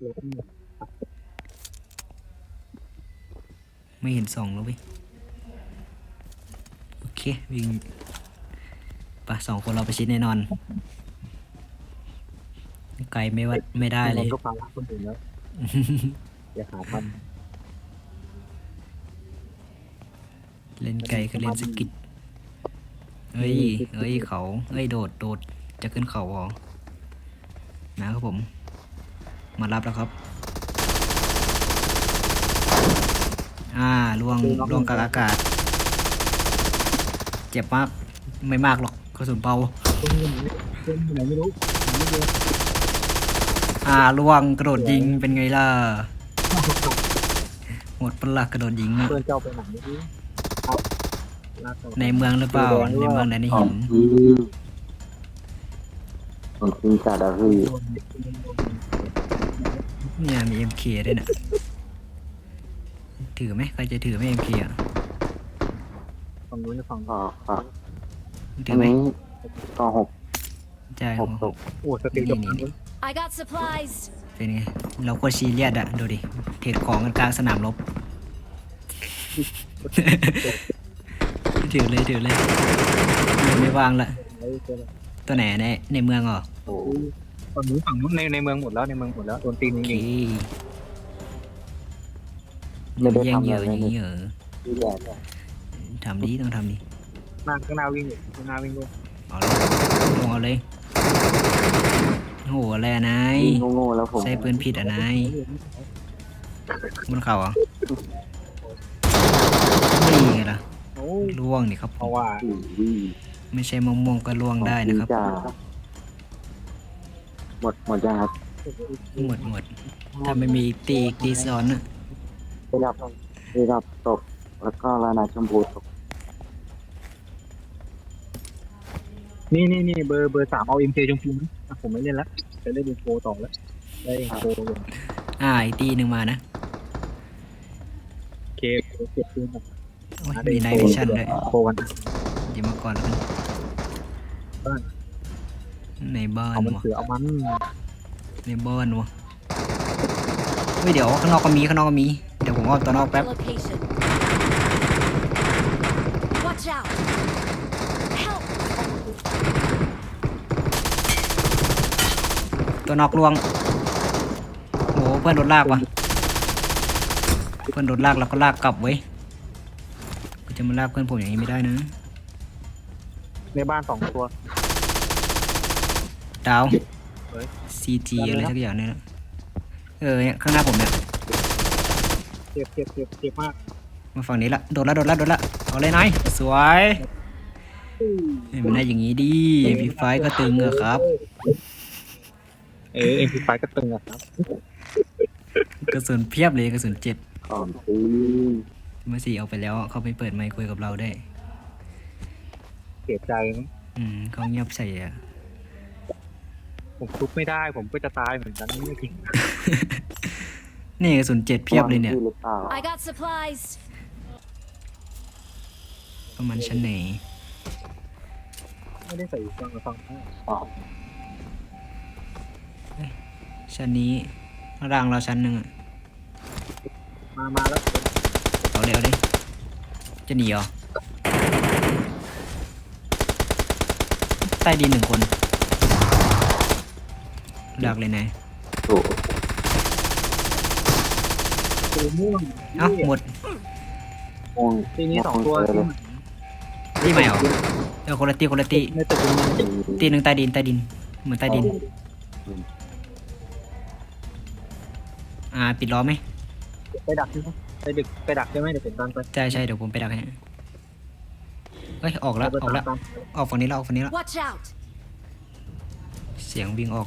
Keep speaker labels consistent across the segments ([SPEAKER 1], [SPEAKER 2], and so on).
[SPEAKER 1] ไม่เห็นส่องแล้วเว้ยโอเควิ่งปะ2 คนเราไปชิดแน่นอนไกลไม่วัดไม่ได้เลย
[SPEAKER 2] ก็พาลักคนอื่นแล้วอย่าหาท
[SPEAKER 1] เล่นไกลคือเล่นสกิดเอ้ยเขาเอ้ยโดดจะขึ้นเขาเหรอนะครับผมมารับแล้วครับล่วงกลางอากาศเจ็บมากไม่มากหรอกกระสุนเบา
[SPEAKER 2] ำคนไหนไม่รู้ไม่รู้
[SPEAKER 1] ล่วงกระโดดยิงเป็นไงล่ะหมดปลักกระโดดยิงอะ
[SPEAKER 2] เพื่อนเจ้าไปไหนไม่รู้
[SPEAKER 1] ในเมืองหรือเปล่าในเมืองไหนเห็น
[SPEAKER 3] ผมกินจัดอะพี่
[SPEAKER 1] เนี่ยมี MK ด้วยน่ะถือไหมใครจะถือไหม MK อ่ะ
[SPEAKER 2] ฝั่งนู้นฝั่ง
[SPEAKER 3] ก็
[SPEAKER 1] ถื
[SPEAKER 3] อั
[SPEAKER 1] อน ไหม
[SPEAKER 3] นี้ก็6
[SPEAKER 1] ใช่
[SPEAKER 3] 6 ตก
[SPEAKER 2] โอ้สติกับ
[SPEAKER 1] นี่
[SPEAKER 4] I got supplies.
[SPEAKER 1] เป็นไงเราก็ซีเรียสอะดูดิเทรดของกันกลางสนามรบ ถือเลยไม่วางละตัวไหนในเมืองเหรอ
[SPEAKER 3] โอ้
[SPEAKER 2] ฝั่งนู้นในเมืองหมดแล้วในเมืองหมดแล้วโดนตีน
[SPEAKER 1] โอ
[SPEAKER 2] จ
[SPEAKER 1] เค
[SPEAKER 2] ริง
[SPEAKER 1] แย่งเหยื่ออย่างนี้เหรอ
[SPEAKER 3] ที่แย่เนี่ย
[SPEAKER 1] ต้องทำดี
[SPEAKER 2] ๆข้างหน้าวิ่งอยู่ข้างหน้าวิ่งด้วย
[SPEAKER 1] เอาเลยลงเอาเลยโหอะไรอะนาย
[SPEAKER 3] โง่ๆแล้วผม
[SPEAKER 1] ใส่ปืนผิดอะนายบนเขาเหรอนี่ไงล่ะ
[SPEAKER 2] โอ้
[SPEAKER 1] ล่วงนี่ครับ
[SPEAKER 2] เพราะว่า
[SPEAKER 1] ไม่ใช่มะม่วงก็ล่วงได้นะครับ
[SPEAKER 3] หมดยังครับ
[SPEAKER 1] หมดถ้าไม่มีตีซ้อนอะ
[SPEAKER 3] ระดับตกแล้วก็ลานาชมพูตก
[SPEAKER 2] นี่เบอร์3เอาเอ็มเคชมพูนะผมไม่เล่นละจะเล่นอินโฟต่อแล้วได้อินโฟเลย
[SPEAKER 1] อีกตีหนึ่งมานะ
[SPEAKER 2] เคเก็บปืนแบบ
[SPEAKER 1] โอ้ยมีไนท์วิชั่นด้วย
[SPEAKER 2] โฟกัน
[SPEAKER 1] เดี๋ยวมาก่อนแล้วกันในบ้าน
[SPEAKER 2] เอามัน
[SPEAKER 1] วะ
[SPEAKER 2] เสือเอามัน
[SPEAKER 1] ในบ้านวะเฮ้ยเดี๋ยวข้างนอกก็มีเดี๋ยวผมเอาตัวนอกแป๊บ
[SPEAKER 4] Location. Watch out. Help.
[SPEAKER 1] ตัวนอกลวงโหเพื่อนโดนลากว่ะเพื่อนโดนลากแล้วก็ลากกลับเว้ยก็จะมาลากเพื่อนผมอย่างนี้ไม่ได้นะ
[SPEAKER 2] ในบ้าน2 ตัว
[SPEAKER 1] ดาว
[SPEAKER 2] เฮ้ย
[SPEAKER 1] CG อะไรสักอย่างเนี่ยนะเนี่ยข้างหน้าผมเนี่ย
[SPEAKER 2] เจ็บมาก
[SPEAKER 1] มาฝั่งนี้ละโดนละเอาเลยนายสวยเห็นมันได้อย่างนี้ดิพีไฟก็ตึงอะครับ
[SPEAKER 2] เอ็มพีไฟก็ตึงอะครับ
[SPEAKER 1] กระสุนเพียบเลยกระสุน7
[SPEAKER 3] ของซื้อ
[SPEAKER 1] เมื่อ4เอาไปแล้วเขาไปเปิดไมค์คุยกับเราได้
[SPEAKER 2] เสียใจนะ
[SPEAKER 1] เขาเงียบใส่อะ
[SPEAKER 2] ผมทุบไม่ได้ผมก็จะตายเหมือนกันไม่ถึง
[SPEAKER 1] นี่กระสุน7เพียบเลยเนี่ย
[SPEAKER 3] หรือเปล่า
[SPEAKER 4] I got supplies.
[SPEAKER 1] ประมาณชั้นไหน
[SPEAKER 2] ไม่ได้ใส่ฟังกับฟัง
[SPEAKER 3] อ๋อ
[SPEAKER 1] ชั้นนี้ร่างเราชั้นหนึ่งอะ
[SPEAKER 2] มาแล้ว
[SPEAKER 1] เอาเลยจะหนีเหรอใต้ดิน1 คนดักเลยนาย
[SPEAKER 3] โอ้
[SPEAKER 2] ตัวม่วง
[SPEAKER 1] หมด
[SPEAKER 3] โง่
[SPEAKER 2] ทีนี้2 ตัว
[SPEAKER 1] ตีใหม่เหรอคนละตี
[SPEAKER 2] ในตึกนี้
[SPEAKER 1] ตีหนึ่งใต้ดินเหมือนใต้ดินปิดล้อมไหม
[SPEAKER 2] ไปดักใช่ไหมไปดักใช่ไหมเดี๋ยวผมตามไป
[SPEAKER 1] ใช่เดี๋ยวผมไปดักให้เฮ้ยออกแล้วออกฝั่งนี้แล้ว
[SPEAKER 4] Watch out.
[SPEAKER 1] เสียงวิ่งออก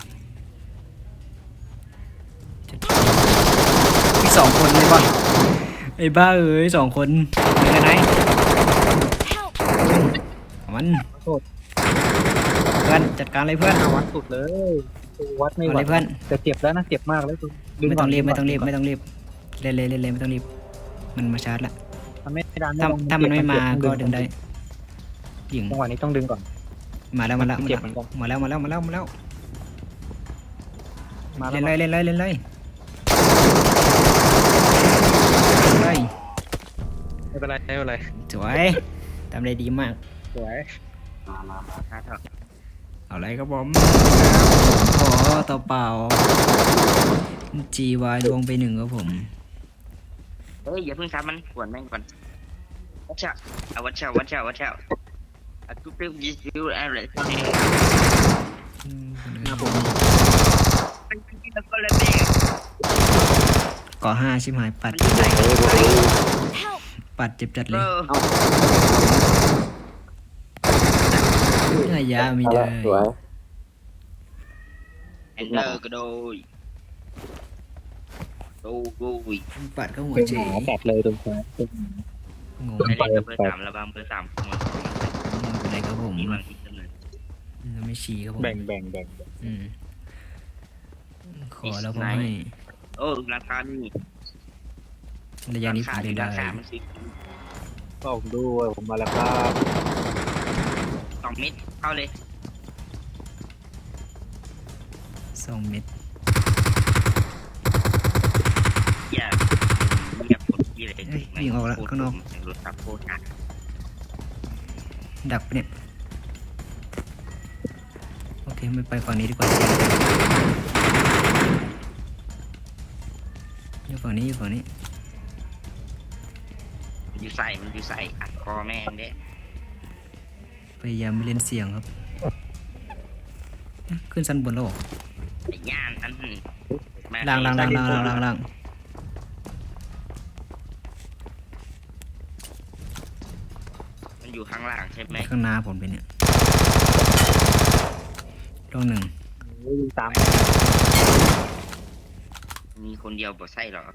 [SPEAKER 1] อีก2 คนเลยป่ะไอ้บ้า2 คนเป็นไง
[SPEAKER 4] Help.
[SPEAKER 1] มันเพื่อนจัดการเลยเพื่อน
[SPEAKER 2] วัดสุดเลยวัดไม่
[SPEAKER 1] เอา
[SPEAKER 2] ไหว
[SPEAKER 1] เลยเพื่อน
[SPEAKER 2] แต่เจ็บแล้วนะเจ็บมากแล้ว
[SPEAKER 1] ไม่ต้องรีบเล่นไม่ต้องรีบมันมาชาร์จละ
[SPEAKER 2] มันไม่ดัน
[SPEAKER 1] ถ้ามันไม่มาก็ดึงได้ยิง
[SPEAKER 2] จังหวะนี้ต้องดึงก่อน
[SPEAKER 1] มาแล้ว
[SPEAKER 2] เจ็บเหมือนกัน
[SPEAKER 1] มาแล้ว
[SPEAKER 2] มา
[SPEAKER 1] เล่นเลยเฮ้ย
[SPEAKER 2] ไม่เป็นไรไม่เป็นไร
[SPEAKER 1] สวยทำได้ดีมาก
[SPEAKER 2] สวย
[SPEAKER 3] มา
[SPEAKER 2] หาเถอะ
[SPEAKER 1] เอาอะไรครับผมขอต่อเปล่า GY ลวงไป1ครับผม
[SPEAKER 5] เฮ้ยอย่าเพิ่งทำมันกวนแม่งก่อนวัชชะเอาวัชชะอะทุกเรื่องยิวอะไรนี่
[SPEAKER 2] หน้าผม
[SPEAKER 5] มันกินแล้วก็เลยเบรก
[SPEAKER 1] ก่อ5ชิบหายปัด
[SPEAKER 5] มันอยู่ไหน
[SPEAKER 4] Help!
[SPEAKER 1] ปัดเจ็บจัด
[SPEAKER 5] เอ
[SPEAKER 1] เลย
[SPEAKER 5] อ
[SPEAKER 1] เนื้อยามี
[SPEAKER 3] เอา
[SPEAKER 1] เล
[SPEAKER 3] ละ
[SPEAKER 1] ย
[SPEAKER 3] สวย
[SPEAKER 5] แอนเดอร์กระโดยโอ้ย
[SPEAKER 1] ปัดก็หัว
[SPEAKER 2] เป็น
[SPEAKER 1] เฉ
[SPEAKER 2] ห
[SPEAKER 1] ย
[SPEAKER 2] มาแบบเลยตรงซ้าย
[SPEAKER 1] งง
[SPEAKER 5] ไอ้เด็กเบอร์ 3ระวังเบอร์ 3ของมัน
[SPEAKER 1] อะไรครับผม
[SPEAKER 5] มีบางทีกันเลย
[SPEAKER 1] ไม่ชี้ครับผม
[SPEAKER 2] แบ่ง
[SPEAKER 1] อืมขอแล้วผมให้
[SPEAKER 5] โอ้ราคานี่
[SPEAKER 1] ระยะนี้ผมเล่นได้
[SPEAKER 5] ราคามันสิ
[SPEAKER 2] ก็ผมด้วยผมมาแล้วครับ
[SPEAKER 5] 2 เม็ดเข้าเลย
[SPEAKER 1] 2 เม็ด
[SPEAKER 5] อย่าปวดที่เลยรถขับโคตรอ่ะ
[SPEAKER 1] ดักปะเนี่ยโอเคไม่ไปฝั่งนี้ดีกว่าอยู่ฝั่งนี้
[SPEAKER 5] มันอยู่ใส่อัดคอแม่งเด้
[SPEAKER 1] พยายามไม่เล่นเสียงครับขึ้นชั้นบนแล้วเหรอ
[SPEAKER 5] ไอ้ย่านอันนั้น
[SPEAKER 1] ล่าง
[SPEAKER 5] มันอยู่ข้างล่างใช่ไหม
[SPEAKER 1] ข้างหน้าผมเป็นเนี่ยตรง1
[SPEAKER 2] ตาม
[SPEAKER 5] มีคนเดียวบ่ใส่หรอก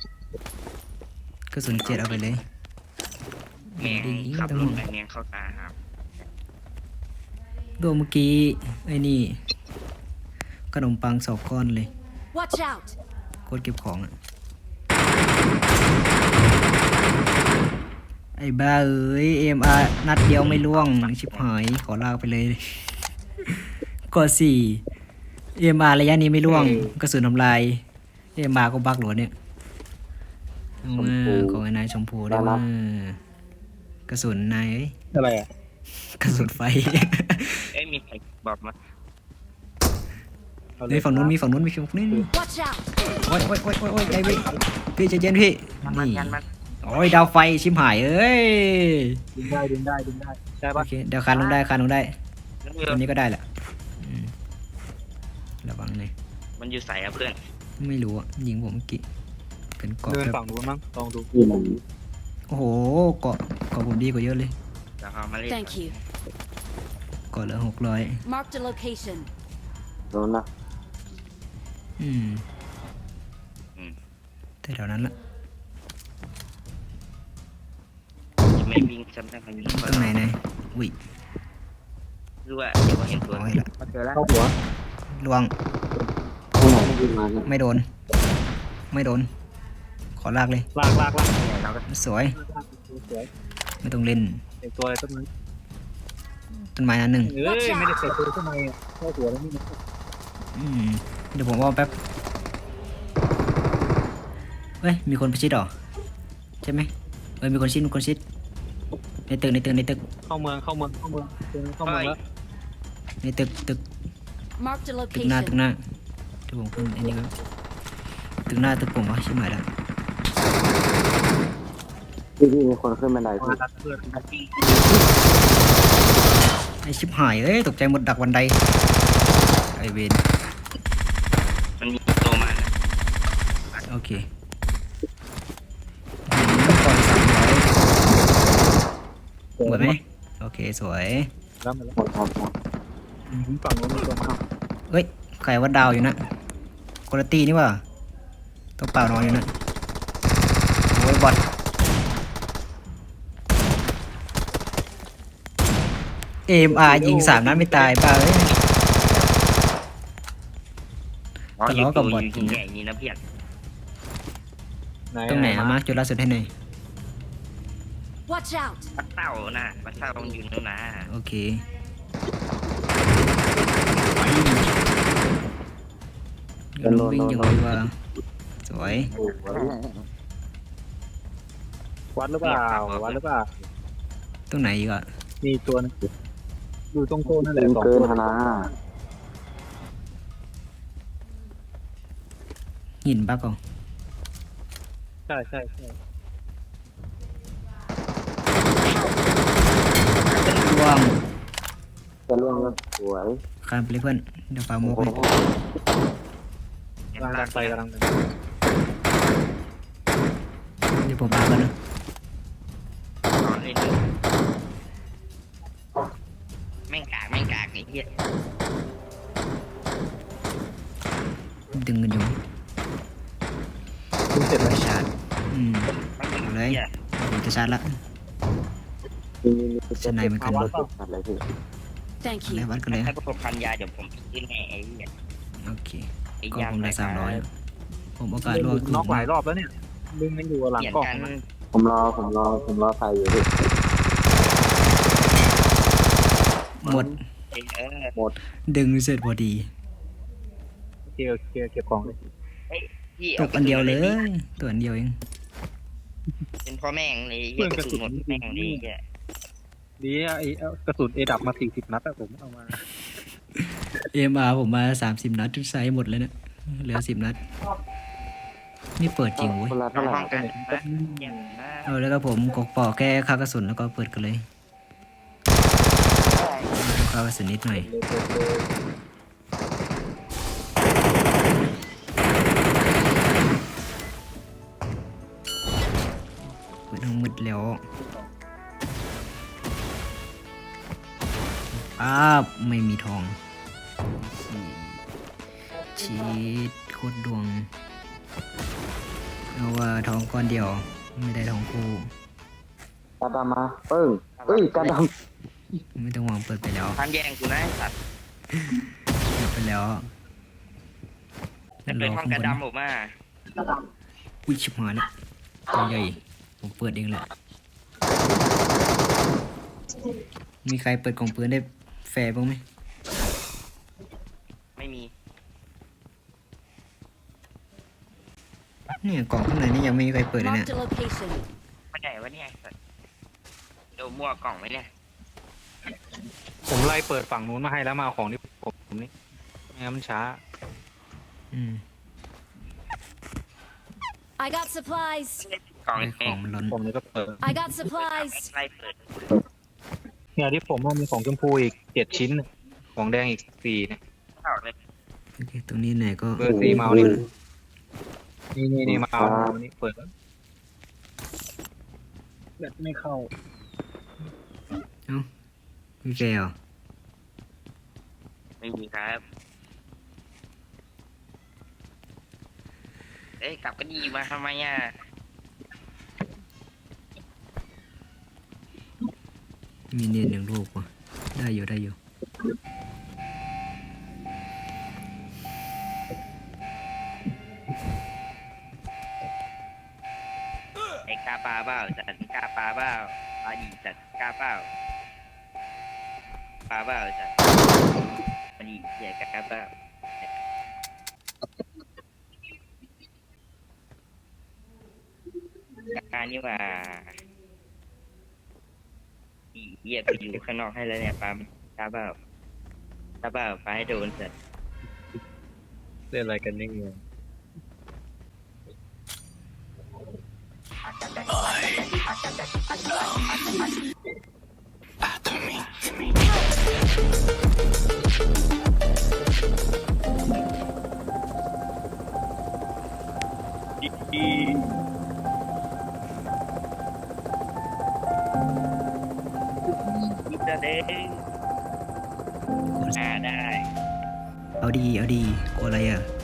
[SPEAKER 1] ระสุน7เอาไปเลย
[SPEAKER 5] แมงขับรถไปแมงเข้าตาครับ
[SPEAKER 1] โดนเมื่อกี้ไอ้นี่ขนมปัง2 ก้อนเลย
[SPEAKER 4] Watch out!
[SPEAKER 1] โคตรเก็บของอ่ะไอ้บ้าเอ้ย AMR นัดเดียวไม่ล่วงชิบหายขอลากไปเลย กด4 AMR ระยะนี้ไม่ล่วงกระสุนทำลาย AMR ก็บักหลวเนี่ยเอามาของไอ้นายชมพูได้ว่ากระสุนนายเอ้ย
[SPEAKER 2] อะไรอ่ะ
[SPEAKER 1] กระสุนไฟ
[SPEAKER 5] เอ้ยมีใครบอกมา
[SPEAKER 1] เฮ้ยฝั่งนู้นมีฝั่งนู้นมีฝั่งนี้
[SPEAKER 4] Watch out!
[SPEAKER 1] โอ้ยใจพี่ใจเย็นพี่
[SPEAKER 5] มัน
[SPEAKER 1] นี่
[SPEAKER 5] ยันมัน
[SPEAKER 1] โอ้ยดาวไฟชิมหายเอ้ย
[SPEAKER 2] ดึงได้ได้
[SPEAKER 1] โอ
[SPEAKER 2] ปะ
[SPEAKER 1] เคเดี๋ยวคานลงได้
[SPEAKER 5] มัน
[SPEAKER 1] ตัวนี้ก็ได้แหละอืมระวังเลย
[SPEAKER 5] มันอยู่ใส่อะเพื่อน
[SPEAKER 1] ไม่รู้อ่ะยิงผมเมื่อกี้เป็นเกาะ
[SPEAKER 2] เดิน
[SPEAKER 1] แบบ
[SPEAKER 2] ฝั่งนู้นมั้งลองดู
[SPEAKER 3] ที่ไหน
[SPEAKER 1] โอ้โหเกาะผมดีกว่าเยอะเลย
[SPEAKER 5] แล้วเอามาเล่น
[SPEAKER 4] Thank you.
[SPEAKER 1] เกาะเหลือ600
[SPEAKER 4] Marked a location.
[SPEAKER 3] โดนนะ
[SPEAKER 1] อืมแต่แถวนั้นละ
[SPEAKER 5] จะไม่วิ่งซ้ำๆมันยิง
[SPEAKER 1] ตรงไหนนายอุ้ย
[SPEAKER 5] รู้ว่าเดี๋ยวเห็นตัว
[SPEAKER 1] เอาให้ละ
[SPEAKER 5] มาเจอแล้ว
[SPEAKER 2] เข้าหัว
[SPEAKER 1] ลวง
[SPEAKER 3] ที่ไหนที่มาเนี่ย
[SPEAKER 1] ไม่โดนขอลากเลย
[SPEAKER 2] ลาก
[SPEAKER 5] เราก็
[SPEAKER 1] สวย
[SPEAKER 2] สวย
[SPEAKER 1] ไม่ต้องเล่น
[SPEAKER 2] เด็กตัวอะไรต้นไม้
[SPEAKER 1] ต้นไม้นั้นหนึ่ง
[SPEAKER 2] เอ้ยไม่ได้เสร็จตัวต้นไม้เข้าหัวแล้วนี่นะ
[SPEAKER 1] อืมเดี๋ยวผมว่าแป๊บเฮ้ยมีคนประชิดเหรอใช่ไหมเฮ้ยมีคนชิดในตึก
[SPEAKER 2] เข้าเมืองเข้าเมืองแล้ว
[SPEAKER 1] ในตึก
[SPEAKER 4] Marked a
[SPEAKER 1] ตึกหน้า
[SPEAKER 4] location.
[SPEAKER 1] ที่ผมขึ้นไอ้นี่ก็ตึกหน้าตึกผมวะชิบหายแล้ว
[SPEAKER 3] ที่มีคนขึ้นบันได
[SPEAKER 2] มา
[SPEAKER 3] พี่
[SPEAKER 2] ดัดเพื่อน
[SPEAKER 1] ไอ้ชิบหายเอ้ยตกใจหมดดักวันใดไอเวน
[SPEAKER 5] มันมีตัวมานะ
[SPEAKER 1] โอเคปล่อย300หมดไหมโอเคสวย
[SPEAKER 2] แล้วมาแล้ว
[SPEAKER 3] หมดครับ
[SPEAKER 2] ฝั่งนู้นมีตัวมา
[SPEAKER 1] เฮ้ยใครว่าดาวอยู่นะคุณภาพนี่ว่าตัวเปล่านอนอยู่นะโอ้ยบอทAMR ยิง3 นัดไม่ตายป่ะเอ้ย
[SPEAKER 5] อ๋อ
[SPEAKER 1] ทะ
[SPEAKER 5] อยู่
[SPEAKER 1] เลาะกับบอท
[SPEAKER 5] อยู่ใหญ่นี่นะเพียร
[SPEAKER 1] ตรงไหนอะมาร์คจุดล่าสุดให้หน่อย
[SPEAKER 4] Watch out!
[SPEAKER 5] ปัดเต้านะปัดเต้ามันอยู่นู่นนะ
[SPEAKER 1] โอเคเดี๋ยวลงวิ่งอย่างไรวะสวย
[SPEAKER 3] โอ้โห
[SPEAKER 2] วัดหรือเปล่าวัดหรือเปล่า
[SPEAKER 1] ตรงไหนอีกอ่ะ
[SPEAKER 2] มีตัวนึงอยู่ตรงโต๊ะนั่นแห
[SPEAKER 3] เกิ
[SPEAKER 2] ละ
[SPEAKER 3] น
[SPEAKER 2] สอง
[SPEAKER 3] เกิน
[SPEAKER 2] ตัว
[SPEAKER 3] ธนา
[SPEAKER 1] หินปะก่อน
[SPEAKER 2] ใช่ใช่ใช่
[SPEAKER 1] ร่วง
[SPEAKER 3] จะล่วงแล้วสวย
[SPEAKER 1] ข้ามไปเลยเพื่อนเดี๋ยวปาโม
[SPEAKER 3] โอ้
[SPEAKER 1] ก
[SPEAKER 3] โห
[SPEAKER 1] ให้
[SPEAKER 2] กำลังดันไปกำลังดัน
[SPEAKER 1] เดี๋ยวผมปากันนะ
[SPEAKER 5] นอนเล่นเลยแม่งกากไอ้เหี้ย
[SPEAKER 1] ดึงกันอยู่
[SPEAKER 2] คุณเสร็จแล้ว
[SPEAKER 1] ชาร์จเอาเลย
[SPEAKER 5] เหี้ย
[SPEAKER 1] ผมจะชาร์จละ
[SPEAKER 3] มี
[SPEAKER 1] สไนมันกัน
[SPEAKER 3] รถตัดเลยพี่
[SPEAKER 4] Thank
[SPEAKER 1] เลย
[SPEAKER 4] you.
[SPEAKER 1] วัดกันเลย
[SPEAKER 5] ถ้าประสบพันยาเดี๋ยวผมขึ้นให้ไอ้เหี้ย
[SPEAKER 1] โอเค
[SPEAKER 5] ไอ้
[SPEAKER 1] ก็
[SPEAKER 5] ยาง
[SPEAKER 1] ผมได้300ผมโอกาสรวด
[SPEAKER 2] น็อกหลายรอบแล้วเนี่ยดึงมันอยู่หลัง
[SPEAKER 5] เปลี่ยน
[SPEAKER 2] กล้อง
[SPEAKER 5] กัน
[SPEAKER 3] ผมรอใครอยู่พี่
[SPEAKER 1] หมด ดึงเสร็จพอดี
[SPEAKER 2] โอเคโอเคเก็บของเลย
[SPEAKER 5] พี่
[SPEAKER 1] ตกอันเดียวเลยตัวอันเดียวเอง
[SPEAKER 5] เป็นพ่อแม่งเลยเหี้ยกระสุนหมดแม่งเลยเหี้ย
[SPEAKER 2] ดีอะไอ้กระสุนเอดับมา40 นัดอะผมเอามา
[SPEAKER 1] เอ็มอาร์ผมมา30 นัดทุกไซส์หมดเลยเนี่ยเหลือ10 นัด นี่เปิดจริงเว้ย
[SPEAKER 3] คนละเท่าไหร่
[SPEAKER 5] ห้องกันนะเยี่ยมมาก
[SPEAKER 1] เอาแล้วก็ผมกกปอกแค่ค่ากระสุนแล้วก็เปิดกันเลยค่ากระสุนนิดหน่อยเปิดทั้งหมดแล้วไม่มีทองชีดโคตรดวงเอาว่าทองก้อนเดียวไม่ได้ทองคู่
[SPEAKER 3] กระดำมาปึ้งเอ้ยกระด
[SPEAKER 1] ไม่ต้องหวังเปิดไปแล้ว
[SPEAKER 5] ทำแย่งกูนะไอ้สัตว์
[SPEAKER 1] เปิดไปแล้ว
[SPEAKER 5] จะเป็นห้องกระดำผมอ่ะ
[SPEAKER 1] อุ้ยชิบหายแล้วตัวใหญ่ผมเปิดเองแหละมีใครเปิดกล่องปืนได้แฟร์บ้างไหม
[SPEAKER 5] ไม่มี
[SPEAKER 1] เนี่ยกล่องข้างในนี่ยังไม่มีใครเปิดเลยเนี่ย
[SPEAKER 4] Marked a location.
[SPEAKER 5] ไม่ได้วะเนี่ยไอ้สัตว์เดี๋ยวมั่วกล่องไว้เนี่ย
[SPEAKER 2] ผมไล่เปิดฝั่งนู้นมาให้แล้วมาเอาของที่ผมนี่ไม่งั้นมันช้า
[SPEAKER 1] อืม
[SPEAKER 4] I got supplies.
[SPEAKER 5] กล่อง
[SPEAKER 1] ไอ้
[SPEAKER 5] เอ
[SPEAKER 1] ของ งมันล้น
[SPEAKER 2] ผมเลยก็เปิด
[SPEAKER 4] I got supplies.
[SPEAKER 5] ไล่เปิด
[SPEAKER 2] เนี่ยที่ผมว่ามีของชมพูอีก7 ชิ้น ของแดงอีก4เนี่ย
[SPEAKER 5] เข้าเลย
[SPEAKER 1] โอเคตรงนี้ไหนก็
[SPEAKER 2] เบอร์4เมาส์นี่นี่มาเอานี่เปิดแล้วแบตไม่เข้า
[SPEAKER 1] มีแกเหรอ
[SPEAKER 5] ไม่มีครับ เอ้ยกลับก็ดีมาทำไมอ่ะ
[SPEAKER 1] มีเนียนหนึ่งลูกว่ะได้อยู่ได้อยู่
[SPEAKER 5] ไอ้กาปลาเปล่าจัดกาปลาเปล่าปลาดีจัดกาเปล่าปลาเปล่าจัดปลาดีเหี้ยกาเปล่าการนี่ว่าอีเหี้ยกูอยู่ข้างนอกให้แล้วเนี่ยปลากาเปล่ากาเปล่าปลาให้โดนจัด
[SPEAKER 2] เล่นอะไรกันนี่งง
[SPEAKER 5] มิสเตอร์เด้งได้
[SPEAKER 1] เอาดีกลัวอะไรอ่ะ